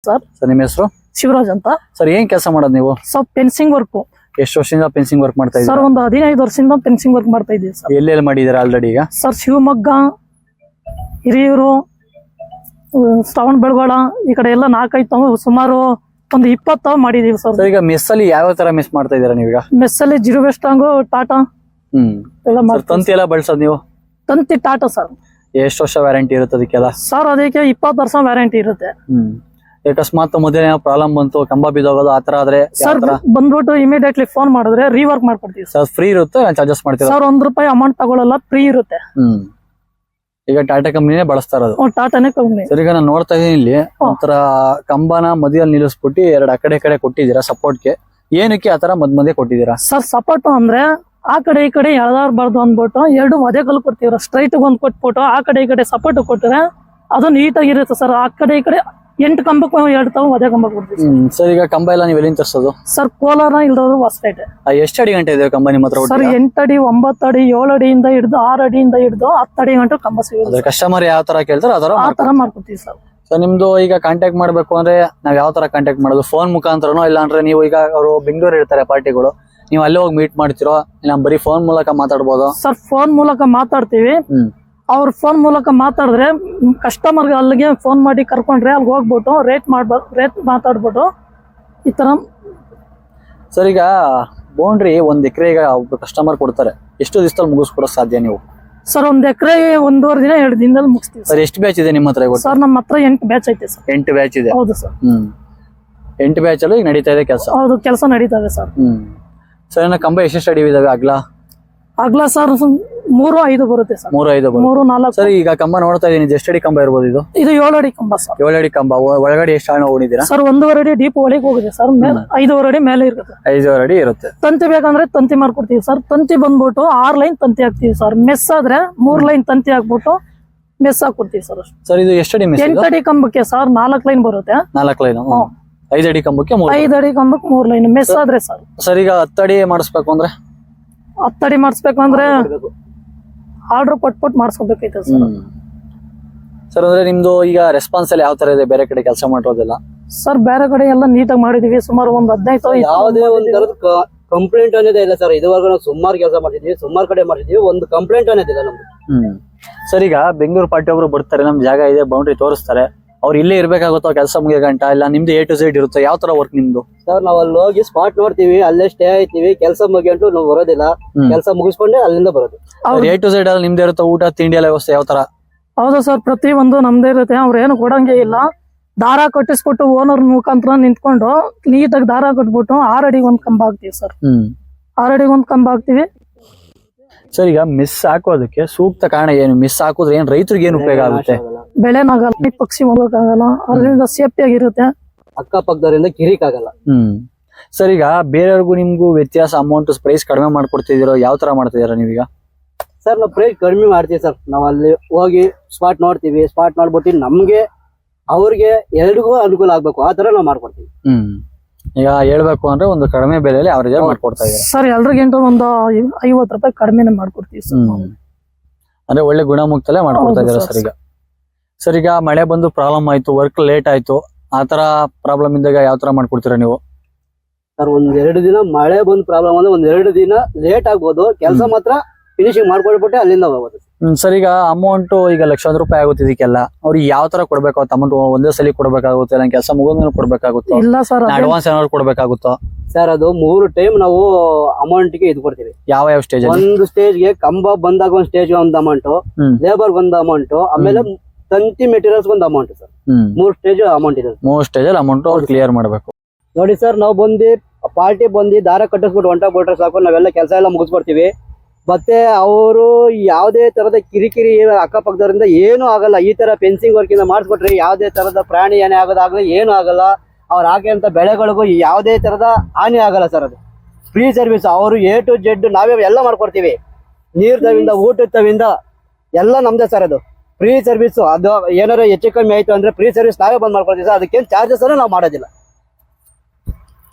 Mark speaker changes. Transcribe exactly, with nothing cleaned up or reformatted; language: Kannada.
Speaker 1: ಸರ್.
Speaker 2: ಸರ್ ನಿಮ್ಮ ಹೆಸರು?
Speaker 1: ಶಿವರಾಜ್ ಅಂತ.
Speaker 2: ಸರ್ ಏನ್ ಕೆಲಸ ಮಾಡೋದು ನೀವು?
Speaker 1: Sir fencing work.
Speaker 2: ಎಷ್ಟು ವರ್ಷದಿಂದ ಫೆನ್ಸಿಂಗ್ ವರ್ಕ್ ಮಾಡ್ತಾ ಇದ್ದೀರಾ?
Speaker 1: ಸರ್ ಒಂದು ಹದಿನೈದು ವರ್ಷದಿಂದ ಫೆನ್ಸಿಂಗ್ ವರ್ಕ್ ಮಾಡ್ತಾ ಇದ್ದೀವಿ ಸರ್.
Speaker 2: ಎಲ್ಲೆಲ್ಲಿ ಮಾಡಿದ್ದೀರಾ ಆಲ್ರೆಡಿ ಈಗ?
Speaker 1: ಸರ್ ಶಿವಮೊಗ್ಗ, ಹಿರಿಯೂರು, ಶ್ರವಣ ಬೆಳಗೊಳ ಈ ಕಡೆ ಎಲ್ಲ ನಾಲ್ಕೈದು ಸುಮಾರು ಒಂದು ಇಪ್ಪತ್ತು ಮಾಡಿದೀವಿ ಸರ್.
Speaker 2: ಈಗ ಮೆಸ್ ಅಲ್ಲಿ ಯಾವ ತರ ಮಿಸ್ ಮಾಡ್ತಾ ಇದ್ದೀರಾ ನೀವೀಗ?
Speaker 1: ಮೆಸ್ ಅಲ್ಲಿ ಜಿರೋ ವೆಸ್ಟಾಂಗು, ಟಾಟಾ
Speaker 2: ಹ್ಮ್
Speaker 1: ಎಲ್ಲ
Speaker 2: ಸರ್, ತಂತಿ ಎಲ್ಲ ಬಳಸೋದು ನೀವು?
Speaker 1: ತಂತಿ ಟಾಟಾ ಸರ್.
Speaker 2: ಎಷ್ಟು ವರ್ಷ ವ್ಯಾರಂಟಿ ಇರುತ್ತೆ ಅದಕ್ಕೆಲ್ಲ?
Speaker 1: ಸರ್ ಅದಕ್ಕೆ ಇಪ್ಪತ್ತು ವರ್ಷ ವ್ಯಾರಂಟಿ ಇರುತ್ತೆ.
Speaker 2: ಹ್ಮ್ ಅಕಸ್ಮಾತ್ ಮೊದಲೇ ಪ್ರಾಬ್ಲಮ್ ಬಂತು, ಕಂಬ ಬಿದ್ದೋಗೋದು ಆತರ ಆದ್ರೆ
Speaker 1: ಸರ್ ಬಂದ್ಬಿಟ್ಟು ಇಮಿಡಿಯೇಟ್ಲಿ ಫೋನ್ ಮಾಡಿದ್ರೆ ರೀವರ್ಕ್ ಮಾಡ್ಕೊಡ್ತೀವಿ
Speaker 2: ಸರ್. ಫ್ರೀ ಇರುತ್ತೆ, ಚಾರ್ಜಸ್ ಮಾಡ್ತೀರಾ?
Speaker 1: ಸರ್ ಒಂದ್ ರೂಪಾಯಿ ಅಮೌಂಟ್ ತಗೊಳ್ಳಲ್ಲ, ಫ್ರೀ ಇರುತ್ತೆ.
Speaker 2: ಹ್ಮ್ ಈಗ ಟಾಟಾ ಕಂಪ್ನಿನೇ ಬಳಸ್ತಾ ಇರೋದು?
Speaker 1: ಟಾಟಾನೇ ಕಂಪ್ನಿ.
Speaker 2: ಸರ್ ಈಗ ನಾನು ನೋಡ್ತಾ ಇದೀನಿ ಇಲ್ಲಿ ಒಂಥರ ಕಂಬನ ಮಧ್ಯದಲ್ಲಿ ನಿಲ್ಲಿಸ್ಬಿಟ್ಟು ಎರಡು ಆ ಕಡೆ ಕಡೆ ಕೊಟ್ಟಿದ್ದೀರಾ ಸಪೋರ್ಟ್ಗೆ. ಏನಕ್ಕೆ ಆತರ ಮದ್ ಮಧ್ಯೆ ಕೊಟ್ಟಿದ್ದೀರಾ?
Speaker 1: ಸರ್ ಸಪೋರ್ಟ್ ಅಂದ್ರೆ ಆ ಕಡೆ ಈ ಕಡೆ ಎಳ್ದಾಡ್ಬಾರ್ದು ಅಂದ್ಬಿಟ್ಟು ಎರಡು ಒದೆ ಕಲ್ಲು ಕೊಡ್ತೀವ್ರ. ಸ್ಟ್ರೈಟ್ ಒಂದ್ ಕೊಟ್ಬಿಟ್ಟು ಆ ಕಡೆ ಈ ಕಡೆ ಸಪೋರ್ಟ್ ಕೊಟ್ಟರೆ ಅದು ನೀಟಾಗಿರುತ್ತೆ ಸರ್. ಆ ಕಡೆ ಈ ಕಡೆ ಎಂಟು ಕಂಬಕ್ಕೆ ಎರಡು ತಾವು ಒದೆ ಕಂಬ ಕೊಡ್ತೀವಿ.
Speaker 2: ಹ್ಮ್ ಸರ್ ಈಗ ಕಂಬ ಎಲ್ಲ ನೀವು ಎಲ್ಲಿಂದ ತರಿಸೋದು?
Speaker 1: ಸರ್ ಕೋಲಾರ ಇಲ್ದೋದು ಹೊಸಪೇಟೆ.
Speaker 2: ಎಷ್ಟು ಅಡಿ ಗಂಟೆ ಇದೆ ಕಂಬ ನಿಮ್ಮ ಹತ್ರ?
Speaker 1: ಸರ್ ಎಂಟು ಅಡಿ, ಒಂಬತ್ತು ಅಡಿ, ಏಳು ಅಡಿಯಿಂದ ಹಿಡಿದು ಆರು ಅಡಿಯಿಂದ ಹಿಡಿದು ಹತ್ತು ಅಡಿ ಗಂಟೆ ಕಂಬ ಸಿಗುತ್ತೆ.
Speaker 2: ಕಸ್ಟಮರ್ ಯಾವ ತರ ಕೇಳ್ತಾರೆ ಆ ತರ
Speaker 1: ಆ ತರ ಮಾಡ್ಕೊಡ್ತೀವಿ ಸರ್.
Speaker 2: ಸರ್ ನಿಮ್ದು ಈಗ ಕಾಂಟ್ಯಾಕ್ಟ್ ಮಾಡ್ಬೇಕು ಅಂದ್ರೆ ನಾವ್ ಯಾವ ತರ ಕಾಂಟ್ಯಾಕ್ಟ್ ಮಾಡೋದು? ಫೋನ್ ಮುಖಾಂತರನೋ ಇಲ್ಲ ಅಂದ್ರೆ ನೀವು ಈಗ ಅವರು ಬೆಂಗಳೂರು ಇರ್ತಾರೆ ಪಾರ್ಟಿಗಳು, ನೀವು ಅಲ್ಲೇ ಹೋಗಿ ಮೀಟ್ ಮಾಡ್ತಿರೋ ಇಲ್ಲ ಬರೀ ಫೋನ್ ಮೂಲಕ ಮಾತಾಡ್ಬೋದು?
Speaker 1: ಸರ್ ಫೋನ್ ಮೂಲಕ ಮಾತಾಡ್ತೀವಿ.
Speaker 2: ಹ್ಮ್
Speaker 1: ಅವ್ರ ಫೋನ್ ಮೂಲಕ ಮಾತಾಡಿದ್ರೆ ಕಸ್ಟಮರ್ಗೆ ಅಲ್ಲಿಗೆ ಫೋನ್ ಮಾಡಿ ಕರ್ಕೊಂಡ್ರೆ ಅಲ್ಲಿ ಹೋಗ್ಬಿಟ್ಟು ರೇಟ್ ಮಾಡ್ಬ ರೇಟ್ ಮಾತಾಡ್ಬಿಟ್ಟು ಈ ತರ.
Speaker 2: ಸರ್ ಈಗ ಬೌಂಡ್ರಿ ಒಂದ್ ಎಕರೆ ಈಗ ಒಬ್ಬ ಕಸ್ಟಮರ್ ಕೊಡ್ತಾರೆ, ಎಷ್ಟು ದಿವಸದಲ್ಲಿ ಮುಗಿಸ್ಕೊಡೋ ಸಾಧ್ಯ ನೀವು?
Speaker 1: ಸರ್ ಒಂದ್ ಎಕರೆ ಒಂದೂವರೆ ದಿನ ಎರಡು ದಿನದಲ್ಲಿ ಮುಗಿಸ್ತೀವಿ
Speaker 2: ಸರ್. ಎಷ್ಟು ಬ್ಯಾಚ್ ಇದೆ ನಿಮ್ಮ ಹತ್ರ?
Speaker 1: ಸರ್ ನಮ್ಮ ಹತ್ರ ಎಂಟು ಬ್ಯಾಚ್ ಐತೆ ಸರ್.
Speaker 2: ಎಂಟು ಬ್ಯಾಚ್ ಇದೆ?
Speaker 1: ಹೌದು ಸರ್.
Speaker 2: ಹ್ಮ್ ಎಂಟು ಬ್ಯಾಚ್ ಅಲ್ಲಿ ಈಗ ನಡೀತಾ ಇದೆ ಕೆಲಸ?
Speaker 1: ಹೌದು, ಕೆಲಸ ನಡೀತದೆ ಸರ್.
Speaker 2: ಹ್ಮ್ ಸರ್ ಇನ್ನ ಕಂಬ ಎಷ್ಟೆಷ್ಟು ಅಡಿ ಇದಾವೆ ಅಗ್ಲ?
Speaker 1: ಅಗ್ಲ ಸರ್ ಮೂರು ಐದು ಬರುತ್ತೆ ಸರ್.
Speaker 2: ಮೂರು ಐದು
Speaker 1: ಮೂರು ನಾಲ್ಕು.
Speaker 2: ಸರ್ ಈಗ ಕಂಬ ನೋಡ್ತಾ ಇದೀನಿ, ಎಷ್ಟು ಅಡಿ ಕಂಬ ಇರ್ಬೋದು ಇದು?
Speaker 1: ಇದು ಏಳು ಅಡಿ ಕಂಬ ಸರ್.
Speaker 2: ಏಳು ಅಡಿ ಕಂಬ. ಒಳಗಡೆ ಎಷ್ಟು ಹಣ ಹೋಗಿದ್ದೀರಾ?
Speaker 1: ಸರ್ ಒಂದೂವರೆ ಅಡಿ ಡೀಪ್ ಒಳಗೆ ಹೋಗಿದೆ ಸರ್. ಐದೂವರೆ ಅಡಿ ಮೇಲೆ ಇರುತ್ತೆ.
Speaker 2: ಐದೂವರೆ ಅಡಿ ಇರುತ್ತೆ.
Speaker 1: ತಂತಿ ಬೇಕಂದ್ರೆ ತಂತಿ ಮಾಡ್ಕೊಡ್ತೀವಿ ಸರ್. ತಂತಿ ಬಂದ್ಬಿಟ್ಟು ಆರ್ ಲೈನ್ ತಂತಿ ಹಾಕ್ತಿವಿ ಸರ್. ಮೆಸ್ ಆದ್ರೆ ಮೂರ್ ಲೈನ್ ತಂತಿ ಹಾಕ್ಬಿಟ್ಟು ಮೆಸ್ ಹಾಕೊಡ್ತೀವಿ ಸರ್.
Speaker 2: ಸರ್ ಇದು ಎಷ್ಟು ಅಡಿ ಮೆಸ್?
Speaker 1: ಎಂಟು ಅಡಿ ಕಂಬಕ್ಕೆ ಸರ್ ನಾಲ್ಕು ಲೈನ್ ಬರುತ್ತೆ.
Speaker 2: ನಾಲ್ಕು ಲೈನ್. ಐದು ಅಡಿ ಕಂಬಕ್ಕೆ
Speaker 1: ಐದು ಅಡಿ ಕಂಬಕ್ಕೆ ಮೂರ್ ಲೈನ್ ಮೆಸ್ ಆದ್ರೆ ಸರ್.
Speaker 2: ಸರ್ ಈಗ ಹತ್ತು ಅಡಿ ಮಾಡಿಸ್ಬೇಕು ಅಂದ್ರೆ?
Speaker 1: ಹತ್ತು ಅಡಿ ಮಾಡಿಸ್ಬೇಕು ಅಂದ್ರೆ ಆರ್ಡರ್ ಕೊಟ್ಬಿಟ್ಟು ಮಾಡಿಸ್ಕೋಬೇಕೈತೆ ಸರ್.
Speaker 2: ಸರ್ ಅಂದ್ರೆ ನಿಮ್ದು ಈಗ ರೆಸ್ಪಾನ್ಸ್ ಅಲ್ಲಿ ಯಾವ ತರ ಇದೆ ಬೇರೆ ಕಡೆ ಕೆಲಸ ಮಾಡೋದಿಲ್ಲ?
Speaker 1: ಸರ್ ಬೇರೆ ಕಡೆ ಎಲ್ಲ ನೀಟಾಗಿ ಮಾಡಿದೀವಿ. ಸುಮಾರು ಒಂದ್ ಹದಿನೈದು
Speaker 3: ಯಾವುದೇ ಒಂದ್ ತರದ ಕಂಪ್ಲೇಂಟ್ ಅನ್ನೋದೇ ಇಲ್ಲ ಸರ್. ಇದುವರೆಗೂ ನಾವು ಸುಮಾರು ಕೆಲಸ ಮಾಡಿದೀವಿ, ಸುಮಾರು ಕಡೆ ಮಾಡಿದೀವಿ, ಒಂದು ಕಂಪ್ಲೇಂಟ್ ಅನ್ನೋದಿಲ್ಲ ನಮ್ದು.
Speaker 2: ಹ್ಮ್ ಸರ್ ಈಗ ಬೆಂಗಳೂರು ಪಾರ್ಟಿ ಒಬ್ರು ಬರ್ತಾರೆ, ನಮ್ ಜಾಗ ಇದೆ, ಬೌಂಡ್ರಿ ತೋರಿಸ್ತಾರೆ, ಅವ್ರು ಇಲ್ಲೇ ಇರ್ಬೇಕಾಗುತ್ತೋ ಕೆಲಸ ಮುಗಿಯ ಗಂಟ, ಇಲ್ಲ ನಿಮ್ದು ಎ ಟು ಝೆಡ್ ಇರುತ್ತೆ? ಯಾವ ತರ ವರ್ಕ್ ನಿಮ್ದು?
Speaker 3: ಸರ್ ನಾವ್ ಅಲ್ಲಿ ಹೋಗಿ ಸ್ಪಾಟ್ ನೋಡ್ತೀವಿ, ಅಲ್ಲೇ ಸ್ಟೇ ಆಯ್ತೀವಿ, ಕೆಲಸ ಮುಗಿಯಂಟು ನಾವು ಬರೋದಿಲ್ಲ, ಕೆಲಸ ಮುಗಿಸ್ಕೊಂಡೆ ಅಲ್ಲಿಂದ ಬರೋದು.
Speaker 2: ಎ ಟು ಝೆಡ್ ಅಲ್ಲಿ ನಿಮ್ದೇ ಇರುತ್ತೆ? ಊಟ ತಿಂಡಿ ಎಲ್ಲ ವ್ಯವಸ್ಥೆ ಯಾವ ತರ?
Speaker 1: ಹೌದು ಸರ್, ಪ್ರತಿ ಒಂದು ನಮ್ದೇ ಇರುತ್ತೆ. ಅವ್ರು ಏನು ಕೊಡಂಗೆ ಇಲ್ಲ. ದಾರ ಕಟ್ಟಿಸ್ಬಿಟ್ಟು ಓನರ್ ಮುಖಾಂತರ ನಿಂತ್ಕೊಂಡು ನೀಟಾಗಿ ದಾರ ಕಟ್ಬಿಟ್ಟು ಆರ್ ಅಡಿಗೆ ಒಂದ್ ಕಂಬ ಹಾಕ್ತಿವಿ ಸರ್.
Speaker 2: ಹ್ಮ್
Speaker 1: ಆರ್ ಅಡಿಗೆ ಒಂದ್ ಕಂಬ ಹಾಕ್ತಿವಿ
Speaker 2: ಸರ್. ಈಗ ಮಿಸ್ ಹಾಕೋದಕ್ಕೆ ಸೂಕ್ತ ಕಾರಣ ಏನು? ಮಿಸ್ ಹಾಕಿದ್ರೆ ಏನ್ ರೈತರಿಗೆ ಏನು ಉಪಯೋಗ ಆಗುತ್ತೆ?
Speaker 1: ಬೆಳೆನಾಗಲ್ಲ, ಪಕ್ಷಿ ಹೋಗಕ್ಕಾಗಲ್ಲ, ಅದರಿಂದ ಸೇಫ್ಟಿ ಆಗಿರುತ್ತೆ.
Speaker 3: ಅಕ್ಕಪಕ್ಕದವರಿಂದ ಕಿರಿಕ್ ಆಗಲ್ಲ.
Speaker 2: ಹ್ಮ್ ಸರ್ ಈಗ ಬೇರೆಯವ್ರಿಗೂ ನಿಮ್ಗೂ ವ್ಯತ್ಯಾಸ, ಅಮೌಂಟ್ ಪ್ರೈಸ್ ಕಡಿಮೆ ಮಾಡ್ಕೊಡ್ತಿದ್ದೀರೋ ಯಾವ ತರ ಮಾಡ್ತಿದ್ದೀರಾ ನೀವೀಗ?
Speaker 3: ಸರ್ ನಾವು ಪ್ರೈಸ್ ಕಡಿಮೆ ಮಾಡ್ತೀವಿ ಸರ್. ನಾವ್ ಅಲ್ಲಿ ಹೋಗಿ ಸ್ಪಾಟ್ ನೋಡ್ತೀವಿ, ಸ್ಪಾಟ್ ನೋಡ್ಬಿಟ್ಟು ನಮ್ಗೆ ಅವ್ರಿಗೆ ಎಲ್ರಿಗೂ ಅನುಕೂಲ ಆಗ್ಬೇಕು ಆ ತರ ನಾವು ಮಾಡ್ಕೊಡ್ತೀವಿ.
Speaker 2: ಹ್ಮ್ ಈಗ ಹೇಳ್ಬೇಕು ಅಂದ್ರೆ ಒಂದು ಕಡಿಮೆ ಬೆಲೆಯಲ್ಲಿ ಅವರೇಜ್ ಮಾಡ್ಕೊಡ್ತಾ ಇದ್ದಾರೆ
Speaker 1: ಸರ್. ಎಲ್ರಿಗಿಂತ ಒಂದು ಐವತ್ತು ರೂಪಾಯಿ ಕಡಿಮೆನೆ ಮಾಡ್ಕೊಡ್ತೀವಿ ಸರ್.
Speaker 2: ಅಂದ್ರೆ ಒಳ್ಳೆ ಗುಣಮುಕ್ತಲ್ಲೇ ಮಾಡ್ಕೊಡ್ತಾ ಇದ್ದಾರೆ ಸರ್. ಈಗ ಸರ್ ಈಗ ಮಳೆ ಬಂದು ಪ್ರಾಬ್ಲಮ್ ಆಯ್ತು, ವರ್ಕ್ ಲೇಟ್ ಆಯ್ತು, ಆತರ ಪ್ರಾಬ್ಲಮ್ ಇದ್ದಾಗ ಯಾವ ತರ ಮಾಡ್ಕೊಡ್ತೀರಾ ನೀವು?
Speaker 3: ಸರ್ ಒಂದ್ ಎರಡು ದಿನ ಮಳೆ ಬಂದ್ ಪ್ರಾಬ್ಲಮ್ ಅಂದ್ರೆ ಒಂದ್ ಎರಡು ದಿನ ಲೇಟ್ ಆಗ್ಬೋದು, ಕೆಲಸ ಮಾತ್ರ ಫಿನಿಶಿಂಗ್ ಮಾಡ್ಕೊಳ್ಬಿಟ್ಟೆ ಅಲ್ಲಿಂದ ಹೋಗೋದು.
Speaker 2: ಹ್ಮ್ ಸರ್ ಈಗ ಅಮೌಂಟ್ ಈಗ ಲಕ್ಷಾಂತರ ರೂಪಾಯಿ ಆಗುತ್ತೆ ಇದಕ್ಕೆಲ್ಲ, ಅವ್ರಿಗೆ ಯಾವ ತರ ಕೊಡ್ಬೇಕಾಗುತ್ತೆ ಅಮೌಂಟ್? ಒಂದೇ ಸಲ ಕೊಡ್ಬೇಕಾಗುತ್ತೆ, ಇಲ್ಲ ಕೆಲಸ ಮುಗಿದ್ಮೇಲೆ ಕೊಡ್ಬೇಕಾಗುತ್ತೋ,
Speaker 1: ಇಲ್ಲ ಸರ್
Speaker 2: ಅಡ್ವಾನ್ಸ್ ಏನಾದ್ರು ಕೊಡ್ಬೇಕಾಗುತ್ತೋ?
Speaker 3: ಸರ್ ಅದು ಮೂರು ಟೈಮ್ ನಾವು ಅಮೌಂಟ್ ಗೆ ಇದು ಕೊಡ್ತೀವಿ.
Speaker 2: ಯಾವ ಯಾವ ಸ್ಟೇಜ್?
Speaker 3: ಒಂದು ಸ್ಟೇಜ್ ಗೆ ಕಂಬ ಬಂದಾಗ ಒಂದ್ ಸ್ಟೇಜ್ ಒಂದು ಅಮೌಂಟ್, ಲೇಬರ್ ಒಂದು ಅಮೌಂಟ್, ಆಮೇಲೆ ತಂತಿ ಮೆಟೀರಿಯಲ್ಸ್ ಒಂದು ಅಮೌಂಟ್ ಸರ್. ಮೂರ್ ಸ್ಟೇಜ್ ಅಮೌಂಟ್ ಇದೆ.
Speaker 2: ಮೂರ್ ಸ್ಟೇಜ್ ಅಲ್ಲಿ ಅಮೌಂಟ್ ಅವ್ರು ಕ್ಲಿಯರ್ ಮಾಡ್ಬೇಕು.
Speaker 3: ನೋಡಿ ಸರ್, ನಾವು ಬಂದು ಪಾರ್ಟಿ ಬಂದು ದಾರ ಕಟ್ಟಿಸ್ಬಿಟ್ಟು ಹೊಂಟೋಗ್ಬಿಟ್ರೆ ಸಾಕು, ನಾವೆಲ್ಲ ಕೆಲಸ ಎಲ್ಲ ಮುಗಿಸ್ಕೊಡ್ತೀವಿ. ಮತ್ತೆ ಅವರು ಯಾವುದೇ ತರದ ಕಿರಿಕಿರಿ ಅಕ್ಕಪಕ್ಕದವರಿಂದ ಏನು ಆಗಲ್ಲ. ಈ ತರ ಫೆನ್ಸಿಂಗ್ ವರ್ಕ್ ಇಂದ ಮಾಡಿಸ್ಬಿಟ್ರೆ ಯಾವುದೇ ತರದ ಪ್ರಾಣಿ ಹಾನಿ ಆಗೋದಾಗ್ಲಿ ಏನು ಆಗಲ್ಲ. ಅವ್ರು ಹಾಕಿದಂತ ಬೆಳೆಗಳಿಗೂ ಯಾವುದೇ ತರದ ಹಾನಿ ಆಗಲ್ಲ ಸರ್. ಅದು ಫ್ರೀ ಸರ್ವಿಸ್. ಅವರು ಎ ಟು ಜೆಡ್ ನಾವೇ ಎಲ್ಲ ಮಾಡ್ಕೊಡ್ತೀವಿ. ನೀರ್ ತವಿಂದ ಊಟದ ತವಿಂದ ಎಲ್ಲ ನಮ್ದೇ ಸರ್. ಅದು ಫ್ರೀ ಸರ್ವಿಸ್. ಅದು ಏನಾರ ಹೆಚ್ಚು ಕಮ್ಮಿ ಆಯ್ತು ಅಂದ್ರೆ ಫ್ರೀ ಸರ್ವಿಸ್ ನಾವೇ ಬಂದ್ ಮಾಡ್ಕೊಡ್ತೀವಿ ಸರ್. ಅದಕ್ಕೇನು ಚಾರ್ಜಸ್ ಅನ್ನ ನಾವು ಮಾಡೋದಿಲ್ಲ.